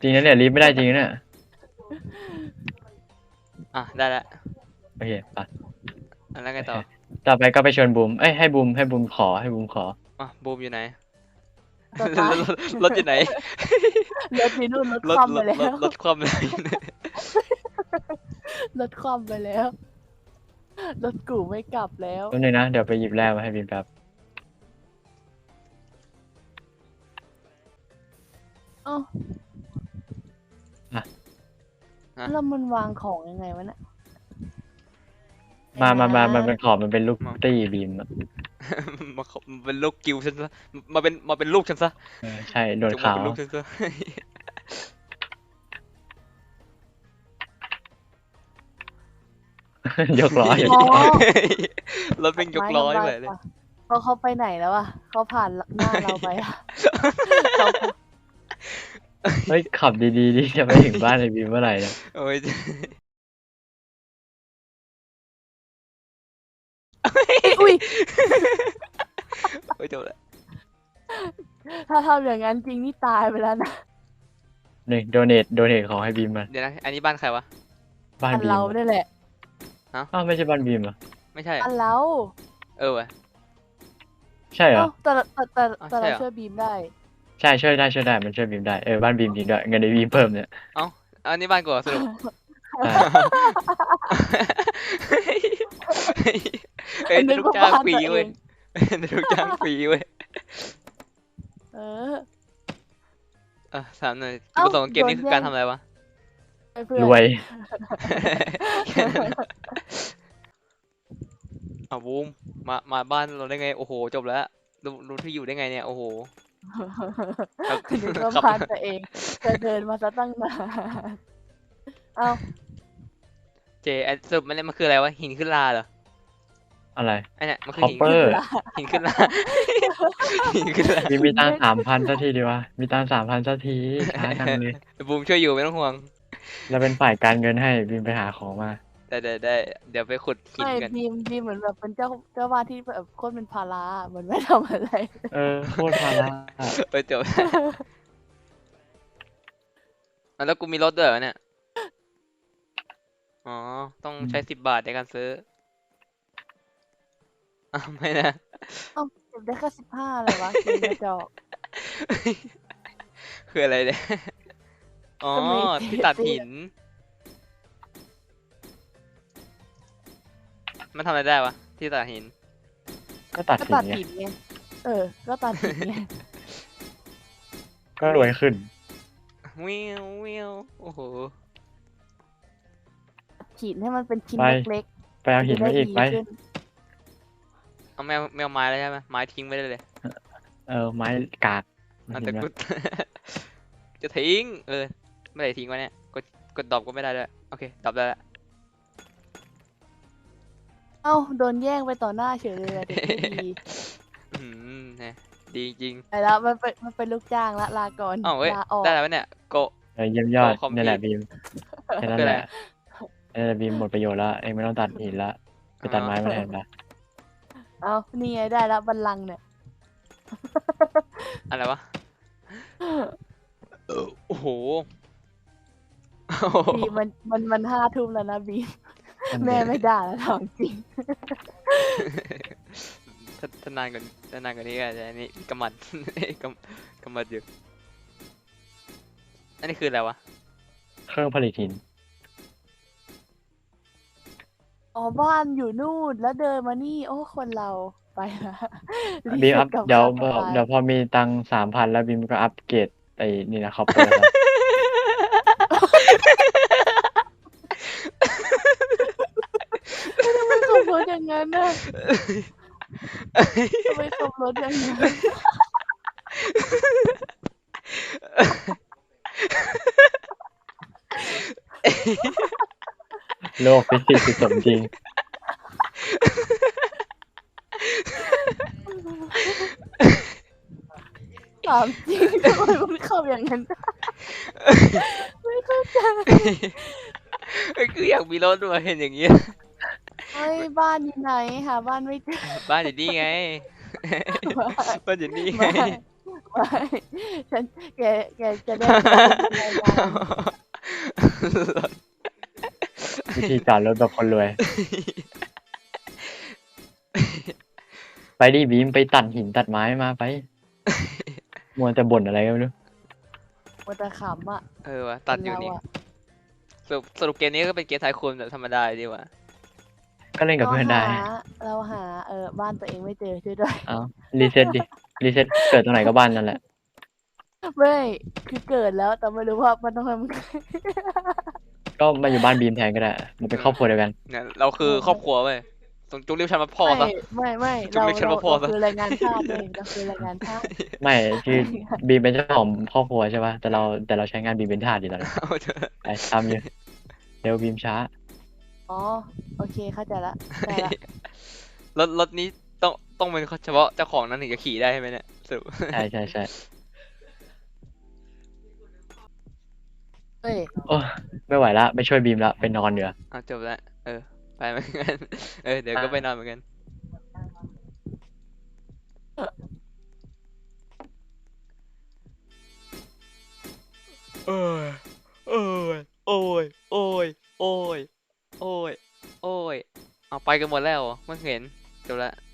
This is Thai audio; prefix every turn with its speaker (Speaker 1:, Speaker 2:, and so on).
Speaker 1: ริงนะเนี่ยลิฟต์ไม่ได้จริงนะเนี่ย
Speaker 2: ได้แล้ว
Speaker 1: โอเคไป
Speaker 2: แล้วไงต่อ
Speaker 1: ต่อไปก็ไปชวนบูมเอ้ยให้บูมขอ
Speaker 2: บูมอยู่ไหน
Speaker 3: ตัว
Speaker 2: ร
Speaker 3: ตาย
Speaker 2: รถอยู่ไหน
Speaker 3: รถอยู่นู่นรถ
Speaker 2: รถ
Speaker 3: คว่ำไปแล้ว
Speaker 2: รถความเลย
Speaker 3: รถคว่ำไปแล้วรถกูไม่กลับแล้ว
Speaker 1: แป๊บนึงนะเดี๋ยวไปหยิบแร่มาให้บีมแป๊บ
Speaker 3: เอ้า
Speaker 1: อ่ะ
Speaker 3: แล้วมันวางของยังไงวะเนี่ย
Speaker 1: มามันเป็นขอบมันเป็นลูกตี้บีมอะ
Speaker 2: มาเป็นลูกกิวฉันซะมาเป็นลูกฉันซะ
Speaker 1: ใช่โดน
Speaker 2: จงมา
Speaker 1: ขาว
Speaker 2: เป็นลูกฉันซะ
Speaker 1: ยกล้ออยู่
Speaker 3: อ๋อ
Speaker 2: รถเป็นยกล้อไปเลย
Speaker 3: เขาไปไหนแล้วอะเขาผ่านหน้าเราไปอะ
Speaker 1: เฮ้ยขับดีๆดิจะไปถึงบ้านไอ้บีมเมื่อไหร่เนี่ย
Speaker 2: โอ้ย
Speaker 3: อุ้ย
Speaker 2: โอ้ยจบแล้ว
Speaker 3: ถ้าทำอย่างนั้นจริงนี่ตายไปแล้วนะ
Speaker 1: นี่โดเนทของให้บีมมา
Speaker 2: เดี๋ยวนะอันนี้บ้านใครวะ
Speaker 1: บ้าน
Speaker 3: อัน
Speaker 1: บีม
Speaker 3: เราเนี่ยแหละ
Speaker 1: อ้าวไม่ใช่บ้านบีมเหรอ
Speaker 2: ไม่ใช่
Speaker 3: อันเรา
Speaker 2: วะ
Speaker 1: ใช่เหรอ
Speaker 3: เอ้าแต่
Speaker 2: ใช่
Speaker 3: เรา
Speaker 2: เหรอ
Speaker 3: ช่วยบีมได้
Speaker 1: ใช่ช่วยได้มันช่วยบีมได้บ้านบีมจริงด้วยเงินในบีมเพิ่มเนี่ย
Speaker 2: อันนี้บ้านกูเหรอสรุป
Speaker 1: ใช่
Speaker 2: เอ้ยลูกจ้างฟรีเว้ยลูกจ้างฟรีเว้ย
Speaker 3: เออ
Speaker 2: ถามหน่อยจุด
Speaker 3: เอ้า
Speaker 2: ประสงค์ของเกมนี้
Speaker 3: โดน
Speaker 2: คือ
Speaker 3: แย่ง
Speaker 2: การทำอะไรวะ
Speaker 3: ไปเพื่อน
Speaker 1: รวย
Speaker 2: แค่นั้นอะบูมมาบ้านเราได้ไงโอ้โหจบแล้วรู้ที่อยู่ได้ไงเนี่ยโอ้โห ครับ
Speaker 3: นึกว่า
Speaker 2: ครับ
Speaker 3: บ้านตัวเองจะเดินมาซะตั้งนานเอ้า
Speaker 2: สรุปมันคืออะไรวะหินขึ้นลาเหรอ
Speaker 1: อะไร
Speaker 2: ไอเนี่ยมันคือหิน
Speaker 1: Copper
Speaker 2: หินขึ้นลาหินขึ้นลา
Speaker 1: บีมมีตังค์3,000สักทีดีวะมีตังค์3,000สักทีช้าจังเลย
Speaker 2: บูมช่วยอยู่ไม่ต้องห่วง
Speaker 1: เราเป็นฝ่ายการเงินให้บีมไปหาของมา
Speaker 2: ได้เดี๋ยวไปขุดหิน
Speaker 3: ไม่
Speaker 2: กัน
Speaker 3: บีมเหมือนแบบเป็นเจ้าบ้านที่แบบโคตรเป็นภาระเหมือนไม่ทำอะไร
Speaker 1: โคตรภาระ
Speaker 2: จบแล้วกูมีรถด้วยเหรอเนี่ยอ๋อต้องใช้10 บาทในการซื้อไม่นะ
Speaker 3: เอ้าเก็บได้แค่15เลยวะเกมกระจอก
Speaker 2: คืออะไรเนี่ยอ๋อ
Speaker 3: ก็มี
Speaker 2: ที่ตัดหิน มันทำอะไรได้วะที่ตัดหิน
Speaker 1: ก็ตัด
Speaker 3: ก็
Speaker 1: สิน
Speaker 3: ตัด
Speaker 1: ไง
Speaker 3: หินไงก็ตัดหินไง
Speaker 1: ก็รวยขึ้น
Speaker 2: วิวโอ้โห
Speaker 3: หินให้มันเป็นชิ้น
Speaker 1: ไป
Speaker 3: เล็ก
Speaker 1: ไปเอา
Speaker 3: ๆ
Speaker 1: หินมาอีกไป
Speaker 3: จะด้ดีขึ้น
Speaker 2: เอาแมวไม้แล้วใช่ไหมไม้ทิ้งไม่ได้เลย
Speaker 1: ไม้กาก
Speaker 2: แต่กู จะทิ้งไม่ได้ทิ้งวะเนี่ยกดดรอปก็ไม่ได้ด้วยโอเคดรอปได้แล้ว
Speaker 3: เอ้าโดนแย่งไปต่อหน้าเฉยเลยอะเด็กไม่ดี
Speaker 2: เนี่ยดีจริง
Speaker 3: ไปแล้วมันเป็นลูกจ้างละลาก่อน
Speaker 2: อ้าวเว้ย
Speaker 3: ลาออก
Speaker 2: ได้แล้ววะเนี่ยโก
Speaker 1: เยี่ยมยอด
Speaker 2: โอ้คอมพิว
Speaker 1: นี่แหละบีมแค่นั้น
Speaker 2: คือ
Speaker 1: แห
Speaker 2: อะไร
Speaker 1: ละนี่แหละบีมหมดประโยชน์แล้วเองไม่ต้องตัดหินละไปตัดไม้มาแทนละ
Speaker 3: เอ้านี่ไงได้แล้วบัลลังก์เนี่ย
Speaker 2: อะไรวะโอ้โห
Speaker 3: บีมมัน5 ทุ่มแล้วนะบีมแม่ไม่ด่าแล้วถามจริง
Speaker 2: ถ้านานกว่านี้ก็อาจจะอันนี้กำมัด กำมัดอยู่อันนี้คืออะไรวะ
Speaker 1: เครื่องผลิตหิน
Speaker 3: อ๋อบ้านอยู่นู่นแล้วเดินมานี่โอ้คนเราไปละ
Speaker 1: บีมอัพ
Speaker 3: กับ
Speaker 1: เดี๋ยว
Speaker 3: ข้าว
Speaker 1: เดี๋ยวพอมีตังค์3,000แล้วบีมก็อัปเกรดไอ้นี่นะคอปเปอร์
Speaker 3: ทำไมขับรถอย่างนั้นน่ะทำไมขับรถอย่างนั้น
Speaker 1: โลกฟิสิกส์คือสมจริง
Speaker 3: ถามจริงทำไมมันขับอย่างนั้นได้ไม่เข้าใจ
Speaker 2: คืออยากมีรถด้วยเห็นอย่างเงี้ย
Speaker 3: เฮ้ยบ้านอยู่ไหนหาบ้านไม่เจอ
Speaker 2: บ้านอยู่นี่ไง บ้านอยู่นี่ไง
Speaker 3: ไม่ไม่ฉันแกจะได้เป็นรายงาน
Speaker 1: วิธีจอดรถแบบคนรวย ไปดิบีมไปตัดหินตัดไม้มาไป มัวแต่บ่นอะไรก็ไม่รู้
Speaker 3: มันจะขำอ่ะ
Speaker 2: เออวะตัดอยู่นี่
Speaker 3: เราะ
Speaker 2: สรุปเกมนี้ก็เป็นเกมไทคูนแบบธรรมดาดีกว่า
Speaker 1: ก็เล่นกับเพื่อนได้
Speaker 3: เราหาบ้านตัวเองไม่เจอช่วยด้วย
Speaker 1: เอารีเซ็ตดิ รีเซ็ตเกิดตรงไหนก็บ้านนั่นแหละ
Speaker 3: ไม่คือเกิดแล้วแต่ไม่รู้ว่ามันต้องทำไง
Speaker 1: ก็มาอยู่บ้านบีมแทนก็ได้ มันเป็นครอบครัวเดียวกัน
Speaker 2: เนี่ยเราคือครอบครัวเว้ยต้องจุกเรียกฉันว่าพ่อซะ
Speaker 3: ไม่
Speaker 2: จุกเรียกฉันว่าพ่อซะ
Speaker 3: คือรายงานชาติเองเราคือรายงานชาติ
Speaker 1: ไม่คือบีมเป็นเจ้าของครอบครัวใช่ป่ะแต่เราใช้งานบีมเป็นทาสอยู่ตอนนี้
Speaker 2: เอาเถอะ
Speaker 1: ไปทำอยู่เร็วบีมช้า
Speaker 3: อ๋อโอเคเข้าใจละได้ละ
Speaker 2: รถนี้ต้องเป็นเฉพาะเจ้าของนั้นถึงจะขี่ได้ใช่ไหมเนี่ยสรุป
Speaker 1: ใช่
Speaker 3: เฮ้ย
Speaker 1: โอ้ไม่ไหวละไปช่วยบีมละไปนอนเดี๋ยวา
Speaker 2: เอาจบแล้วไปเหมือนกันเดี๋ยวก็ไปนอนเหมือนกันโอ้ยโอ้ยโอ้ยโอ้ยโอ้ยโอ้ยโอ้ยเอาไปกันหมดแล้วเหรอเมื่อเห็นจบแล้ว